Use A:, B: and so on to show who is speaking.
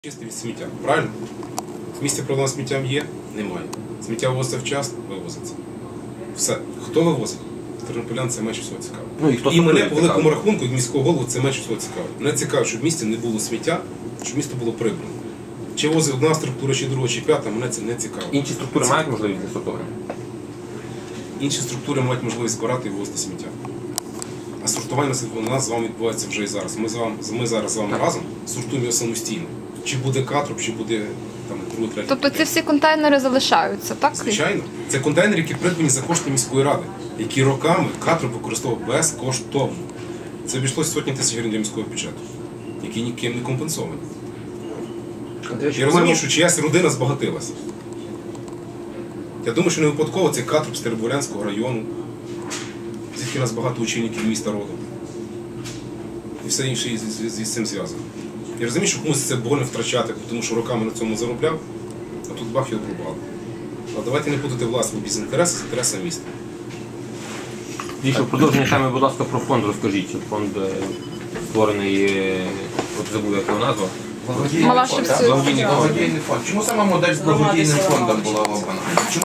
A: Чисте від сміття, правильно? В місті проблема з сміттям є? Немає. Сміття вивозиться вчасно? Вивозиться. Все. Хто вивозить? Тернополян це менше всього цікаво.
B: Ну,
A: і мене по великому рахунку, як міського голову, це менше всього цікаво. Мене цікаво, щоб в місті не було сміття, щоб місто було прибрано. Чи возить одна структура, чи друга, чи п'ята, мене це не цікаво.
B: Інші структури мають можливість для сортування?
A: Інші структури мають можливість збирати і вивозити сміття. А сортування у нас з вами відбувається вже і зараз. Ми зараз з вами разом сортуємо його самостійно. Чи буде катруб, чи буде там другий, третій.
C: Тобто ці всі контейнери залишаються, так?
A: Звичайно. Це контейнери, які придбані за кошти міської ради, які роками катруб використовував безкоштовно. Це обійшлося сотні тисяч гривень для міського бюджету, які ніким не компенсовані. Я розумію, що чиясь родина збагатилася. Я думаю, що не випадково цей катруб з Теребовлянського району, звідки у нас багато учнів міста родом. І все інше з цим зв'язано. Я розумію, що комусь це больно втрачати, тому що роками на цьому заробляв, а тут бах його обрубали. Але давайте не путати власний бізнес-інтерес з інтересом міста.
B: Дійсно, в продовження теми, будь ласка, про фонд розкажіть. Фонд створений, от забув, як його назва.
C: Малашівський.
D: Благодійний фонд. Чому саме модель з благодійним фондом була обрана?